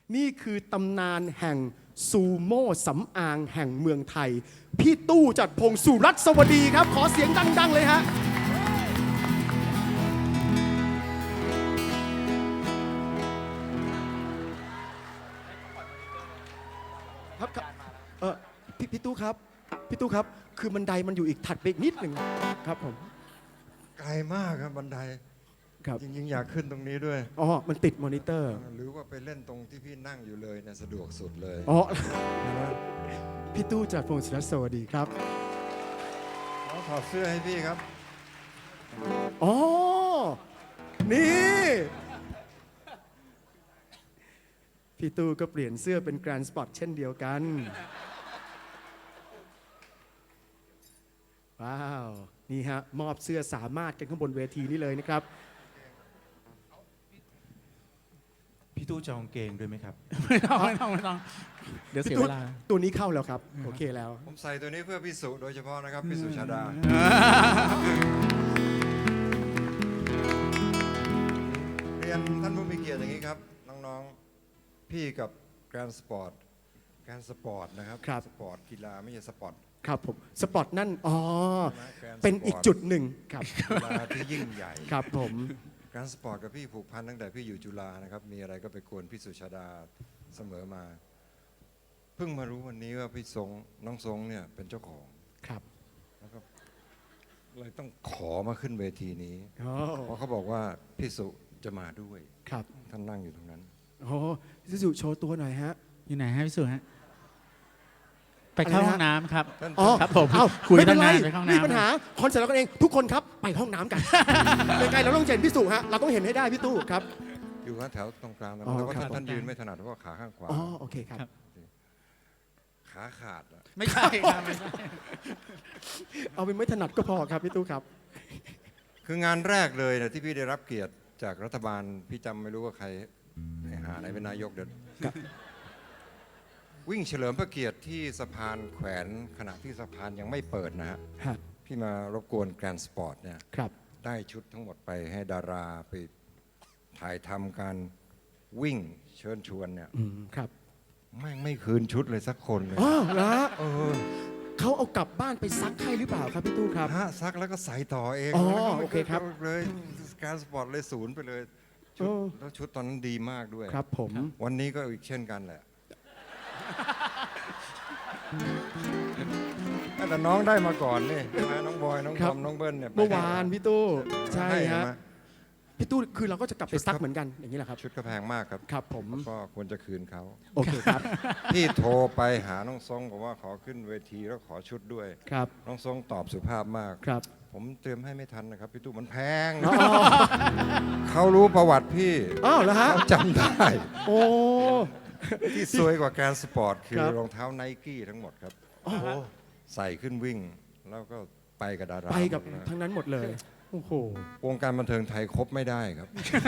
นี่คือตำนานแห่งซูโม่สำอางแห่งเมืองไทย พี่ตู้จัดพงศ์สุรัตน์สวัสดีครับ ขอเสียงดังๆเลยฮะครับพี่ตู้ครับพี่ตู้ครับคือบันไดมันอยู่อีกถัดไปอีกนิดหนึ่งครับผมไกลมากครับบันไดครับจริงๆอยากขึ้นตรงนี้ด้วยอ๋อมันติดมอนิเตอร์หรือว่าไปเล่นตรงที่พี่นั่งอยู่เลยเนี่ยสะดวกสุดเลยอ๋อนะพี่ตู้จัดพงศ์สุรัตน์สวัสดีครับขอถอดเสื้อให้พี่ครับอ๋อ นี่ พี่ตู้ก็เปลี่ยนเสื้อเป็นแกรนด์สปอร์ตเช่นเดียวกัน ว้าว นี่ฮะ มอบเสื้อสามารถกันข้างบนเวทีนี้เลยนะครับพี่ตู้จะเอากางเกงด้วยไหมครับไม่ต้องเดี๋ยวเสียเวลาตัวนี้เข้าแล้วครับ โอเคแล้วผมใส่ตัวนี้เพื่อพี่สุโดยเฉพาะนะครับพี่สุชาดา เรียนท่านผู้มีเกียรติอย่างนี้ครับ น้องๆ พี่กับแกรนสปอร์ตนะครับครับสปอร์ตกีฬาไม่ใช่สปอร์ตครับผม สปอร์ตนั่น อ๋อแกรนด์สปอร์ตเป็นอีกจุดหนึ่งครับกีฬาที่ยิ่งใหญ่ครับผมแกรนสปอร์ตกับพี่ผูกพันตั้งแต่พี่อยู่จุฬานะครับมีอะไรก็ไปกวนพี่สุชาดาเสมอมา เพิ่งมารู้วันนี้ว่าพี่น้องทรงเนี่ยเป็นเจ้าของครับแล้วก็เลยต้องขอมาขึ้นเวทีนี้อ๋อเพราะเขาบอกว่าพี่สุจะมาด้วยครับท่านนั่งอยู่ตรงนั้นโอ้ซิสุโชว์ตัวหน่อยฮะอยู่ไหนฮะพี่สุฮะ ไปเข้าห้องน้ำครับท่านอ๋อครับผมเอ้าคุยไม่เป็นตั้งไรนานไปเข้าห้องน้ำมีปัญหาคอนเสิร์ตเรากันเอง ทุกคนครับ ไปห้องน้ำกัน ยังไงเราต้องเห็นพี่สุฮะ เราต้องเห็นให้ได้พี่ตู้ครับอยู่แถวตรงกลางนะอ๋อแล้วก็ครับท่านยืนไม่ถนัดเพราะว่าขาข้างขวาอ๋อ โอเคครับขาขาดอะไม่ใช่ครับไม่ใช่เอาเป็นไม่ถนัดก็พอครับพี่ตู้ครับคืองานแรกเลยนะที่พี่ได้รับเกียรติจากรัฐบาลพี่จำไม่รู้ว่าใครหาไหนเป็นนายกเดี๋ยวครับวิ่งเฉลิมพระเกียรติที่สะพานแขวนขณะที่สะพานยังไม่เปิดนะฮะฮะพี่มารบกวนแกรนด์สปอร์ตเนี่ยครับได้ชุดทั้งหมดไปให้ดาราไปถ่ายทำการวิ่งเชิญชวนเนี่ยครับไม่คืนชุดเลยสักคนเลยอ๋อเหรอฮะเออเขาเอากลับบ้านไปซักให้หรือเปล่าครับพี่ตู้ครับฮะซักแล้วก็ใส่ต่อเองอ๋อแล้วก็ไม่โอเคครับเลยแกรนด์สปอร์ตเลยศูนย์ไปเลยชุดเออแล้วชุดตอนนั้นดีมากด้วยครับผมวันนี้ก็อีกเช่นกันแหละ แต่น้องได้มาก่อนนี่ใช่ไหมน้องบอยน้องคทรัอบ มน้องเบิ้ลเนี่ยไปเมื่อวานพี่ตู้ ใช่ให้ฮะมาพี่ตู้คือเราก็จะกลับไปซักเหมือนกันอย่างนี้แหละครับชุดก็แพงมากครับครับผมก็ควรจะคืนเขาโอเคครับพี่โทรไปหาน้องทรงบอกว่าขอขึ้นเวทีแล้วขอชุดด้วยครับน้องทรงตอบสุภาพมากครับผมเตรียมให้ไม่ทันนะครับพี่ตู้มันแพงอ๋อเขารู้ประวัติพี่อ้าวเหรอฮะเขาจำได้โอ้ที่ซวยกว่าแกรนด์สปอร์ตคือครับรองเท้าไนกี้ทั้งหมดครับอ๋อใส่ขึ้นวิ่ง แล้วก็ไปกับดาราไปกับหมดนะทั้งนั้นหมดเลย โอ้โหวงการบันเทิงไทยครบไม่ได้ครับ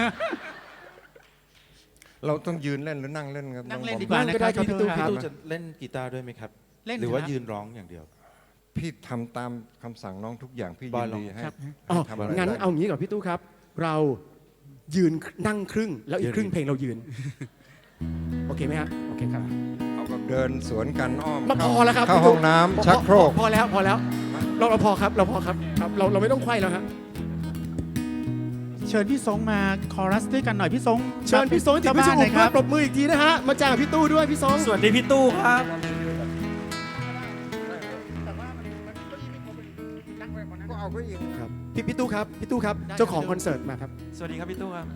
เราต้องยืนเล่นหรือนั่งเล่นครับนั่งเล่นองบอมดีกว่านั่งก็ได้ครับพี่ตู้ครับพี่ตู้จะเล่นกีตาร์ด้วยไหมครับเล่นหรือว่าครับยืนร้องอย่างเดียวพี่ทำตามคำสั่งน้องทุกอย่างพี่บยิอยนลองดีให้ครับอ๋อทำอะไรงั้นได้เอางี้ก่อนพี่ตู้ครับ เรายืนนั่งครึ่ง แล้วอีกครึ่งเพลงเรายืน โอเคไหมฮะ โอเคครับเอาแบบเดินสวนกันอ้อมมาพอแล้วครับเข้าพี่ตู้ห้องน้ำชักโครกพอแล้วพอแล้ว เราพอครับเราพอครับครับ เราไม่ต้องไขว้แล้วฮะเชิญพี่ทรงมาคอรัสด้วยกันหน่อยพี่ทรงเชิญพี่ทรงจิตเจ้าพิบ้าสุนทหน่อยธิ์คมารับปรบมืออีกทีนะฮะ มาจ้างพี่ตู้ด้วยพี่ทรงสวัสดีพี่ตู้ครับก็เอาไปอีกครับพี่ตู้ครับพี่ตู้ครับ เจ้าของคอนเสิร์ตมาครับสวัสดีครับพี่ตู้ครับ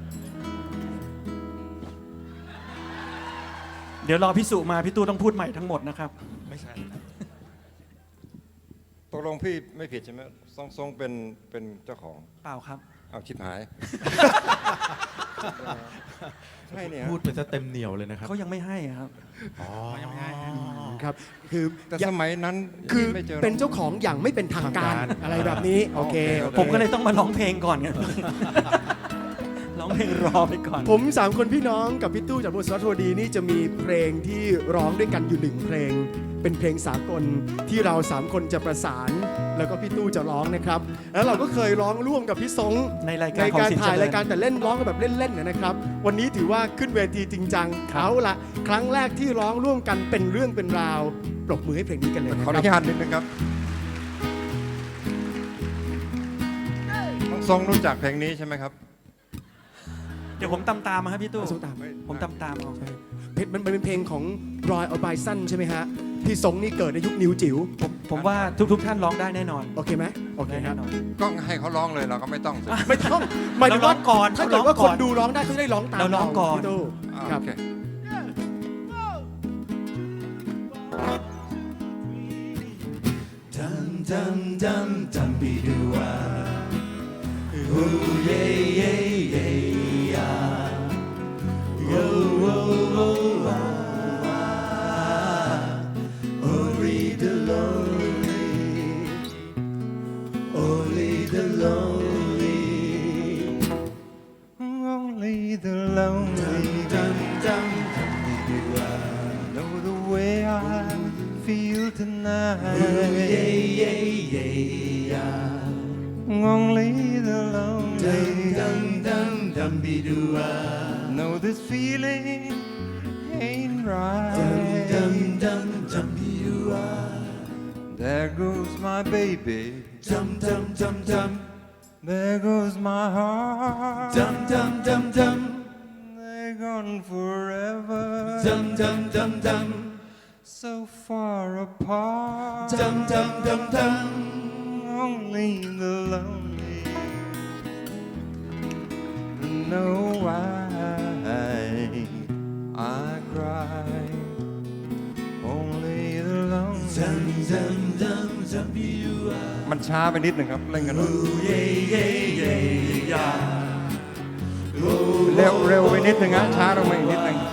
เดี๋ยวรอพี่สุมาพี่ตู้ต้องพูดใหม่ทั้งหมดนะครับไม่ใช่ตกลงพี่ไม่ผิดใช่ไหมทรงเป็นเจ้าของเปล่าครับเอาชิบหาย ใช่เนี่ยพูดไปซะเต็มเหนียวเลยนะครับเขายังไม่ให้ครับยังไม่ให้ฮะครับ คือแต่สมัยนั้นคือไม่เจอเป็นเจ้าของอย่างไม่เป็นทางการทางการอะไรแบบนี้ โอเคโอเคผมก็เลยต้องมาร้องเพลงก่อนไง ร้องเพลงรอไปก่อนผมสามคนพี่น้องกับพี่ตู้จากบทสวัสดิ์ดีนี่จะมีเพลงที่ร้องด้วยกันอยู่หนึ่งเพลง เป็นเพลงสากลที่เราสามคนจะประสานแล้วก็พี่ตู้จะร้องนะครับ แล้วเราก็เคยร้องร่วมกับพี่สงในรายการในของการสินถ่ายเจริญรายการแต่เล่นร้องกันแบบเล่นๆนะครับ วันนี้ถือว่าขึ้นเวทีจริงจังเอาละครั้งแรกที่ร้องร่วมกันเป็นเรื่องเป็นราวปรบมือให้เพลงนี้กันเลยนะขออคนุรับญาตนิดนึงครับน้องทรงรู้จักเพลงนี้ใช่ไหมครับเดี๋ยวผมตามมาครับพี่ตู้เอาส้มตามผมตามเอาเพลงมันเป็นเพลงของรอยออไบสันใช่ไหมฮะพี่สงนี่เกิดในยุคนิวจิ๋วผมว่าทุกท่านร้องได้แน่นอนโอเคไหมโอเคได้ครัแน่บนอนก็ให้เขาร้องเลยเราก็ไม่ต้องสิไม่ต้องหมายถึงว่าเราร้องก่อนถ้าเกิดว่าเราร้องคก่อนนดูร้องได้เขาจะได้ร้องตามเราร้องก่อนพี่ตู้ครับโอเค Only the lonely know the way I feel tonight. Only the lonely know this feeling ain't right. There goes my baby. There goes my heart. They're gone forever. So far apart. Only the lonely know why I cry. Only the lonely. มันช้าไปนิดหนึ่งครับ เล่นกันหน่อยเร็วไปนิดหนึ่งนะช้าลงมาอีกนิดหนึ่ง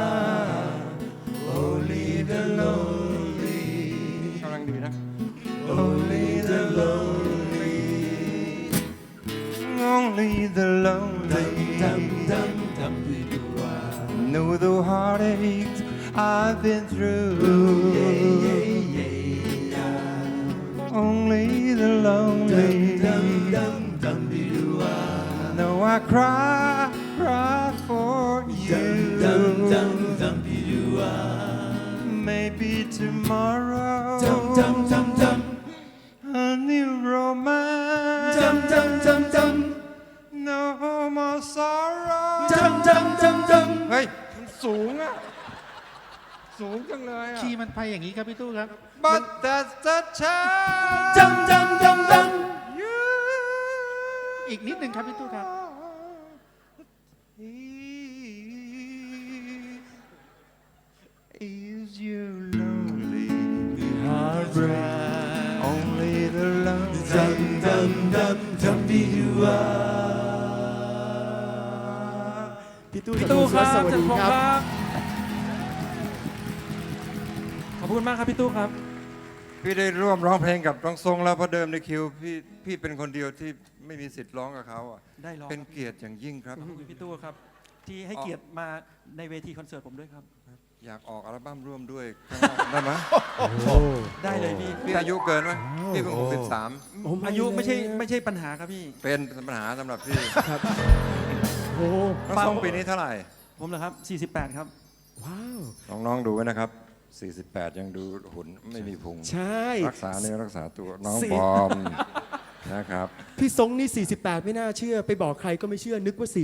กำลังดีนะ Only the lonely know the heartaches I've been through. Only the lonely know I cry for you. Maybe tomorrow a new romance. No more sorrow. เฮ้ยมันสูงอะสูงจังเลยอะคีย์มันไปอย่างนี้ครับพี่ตู้ครับ But that's the time. You อีกนิดหนึ่งครับพี่ตู้ครับ Is you lonely Only the lonely พี่ตู้พี่ตู้ครับสวัสจันดีพงคษ์รับครับ ขอบคุณมากครับพี่ตู้ครับพี่ได้ร่วมร้องเพลงกับน้องทรงแล้วเพราะเดิมในคิวพี่เป็นคนเดียวที่ไม่มีสิทธิ์ร้องกับเขาอ่ะได้ร้องเป็นเกียรติอย่างยิ่งครับขอบคุณพี่ตู้ครับ ที่ให้เกียรติมาในเวทีคอนเสิร์ตผมด้วยครับอยากออกอัลบั้มร่วมด้วยข้างนอกได้ไหมได้เลยพี่พี่อายุเกินไหมพี่เพิ่งโอ้ 63 อายุไม่ใช่ปัญหาครับพี่เป็นปัญหาสำหรับพี่ครับโอ้น้องทรงปีนี้เท่าไหร่ผมเหรอครับ 48 ครับว้าวน้องๆดูไว้นะครับ 48 ยังดูหุ่นไม่มีพุงใช่รักษาเนื้อรักษาตัวน้องสี่บอมนะครับพี่ทรงนี่ 48 ไม่น่าเชื่อ ไปบอกใครก็ไม่เชื่อนึกว่า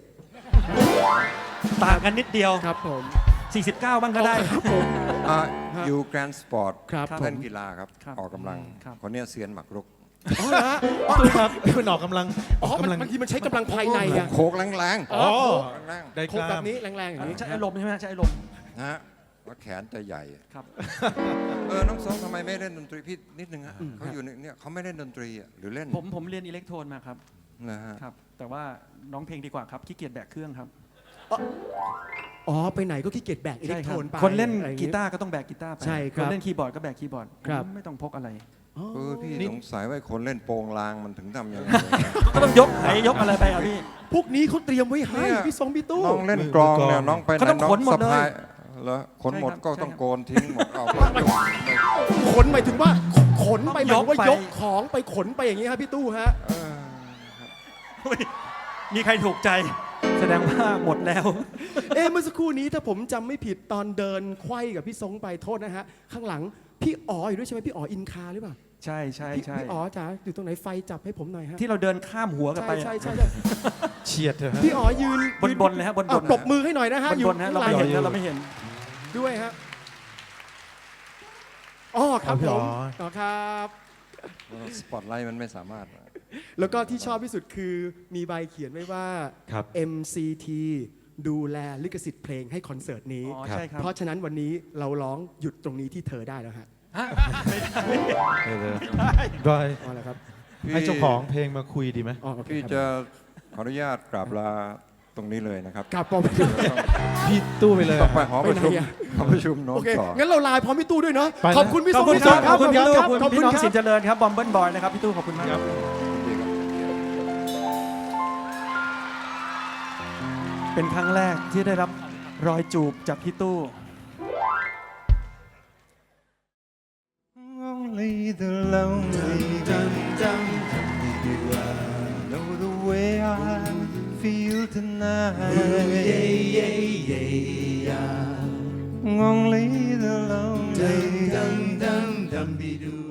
ต่างกันนิดเดียว 47 ครับผม 49 บ้างก็ได้ครับผมอยู่แกรนด์สปอร์ตครับผเล่นมกีฬาครับครับออกกำลังครับคนเนี้ยเซียนหมักรุกอ๋อเหรอฮะอ๋อตู้ครับเป็นออกกำลังอ๋อมันบางทีมันใช้กำลังภายในอะโคกแรงอ๋อๆแรงได้โคกกแบล้ามบนี้แรงๆอย่างนี้ใช้อารมณ์ใช่ไหมใช้อารมณ์ๆนะฮะแล้วแขนจะใหญ่ครับน้องทรงทำไมไม่เล่นดนตรีพี่นิดนึงฮะเขาอยู่เนี่ยเขาไม่เล่นดนตรีอะหรือเล่นผมเรียนอิเล็กโทรนมาครับนะฮะครับ แต่ว่าน้องเพลงดีกว่าครับขี้เกียจแบกเครื่องครับอ๋อ ไปไหนก็ขี้เกียจแบกอิเล็ใช่กคโทรับนไปคนเล่นอะไรอย่างกีงี้ตาร์ก็ต้องแบกกีตาร์ไปใช่ครับคนเล่นคีย์บอร์ดก็แบกคีย์บอร์ดครับไม่ต้องพกอะไรอ๋อพี่นี่สงสัยว่าคนเล่นโปงลางมันถึงทำยังไงก็ต้องยกไหนยกอะไรไปอ่ะพี่พวกนี้เขาเตรียมไว้ให้เนี่ยพี่ทรงพี่ตู้น้องเล่นกลองเนี่ยน้องไปไหนเขาต้องน้องขนหมดสะพายเลยแล้วขนหมดใช่ครับก็ต้องโกนทิ้งหมดเอาไปขนหมายถึงว่าขนไปหมายถึงว่ายยกกไปของไปขนไปอย่างนี้ครับพี่ตู้ฮะอุ๊ยมีใครถูกใจ แสดงว่าหมดแล้วเมื่อสักครู่นี้ถ้าผมจำไม่ผิดตอนเดินไขว้กับพี่ทรงไปโทษนะฮะ ข้างหลังพี่อ๋ออยู่ด้วยใช่ไหมพี่อ๋ออินคาหรือเปล่าใช่ใช่พี่ใช่พี่อ๋อจ๋าอยู่ตรงไหนไฟจับให้ผมหน่อยฮะที่เราเดินข้ามหัวกันใช่ไปใช่อะใช่ใช่เฉียดเถอะฮะพี่อ๋อยืนบนๆเลยฮะบนๆอ่ปรบมือให้หน่อยนะฮะบนๆนะเราไม่เห็นนะเราไม่เห็นด้วยฮะอ๋อครับพี่ผอ๋อมอ๋อครับสปอตไลท์มันไม่สามารถแล้วก็ที่ชอบที่สุดคือมีใบเขียนไว้ว่าครับ MCT ดูแลลิขสิทธิ์เพลงให้คอนเสิร์ตนี้อ๋อใช่ครับเพราะฉะนั้นวันนี้เราร้องหยุดตรงนี้ที่เธอได้แล้วฮะบอยอ๋อแล้วครับให้เจ้าของเพลงมาคุยดีไหมอ๋อโอเคพี่ครับจะขออนุญาตกราบลาตรงนี้เลยนะครับกลับปอมพี่ตู้ไปเลยต้องไปหอประชุมไปไหนอะหอประชุมโน้โอน เคต่องั้นเราไลน์พร้อมพี่ตู้ด้วยเนาะไปนะขอบคุณพี่ขอบคุณพี่คทรังบขอบคุณพี่ตู้ขอบพี่คุณน้องครัสิบนเจริญครับบอมเบิลบอยนะครับพี่ตู้ขอบคุณมากครับ เป็นครั้งแรกที่ได้รับรอยจูบจากพี่ตู้ Only the lonely know the way I feel tonight. Only the lonely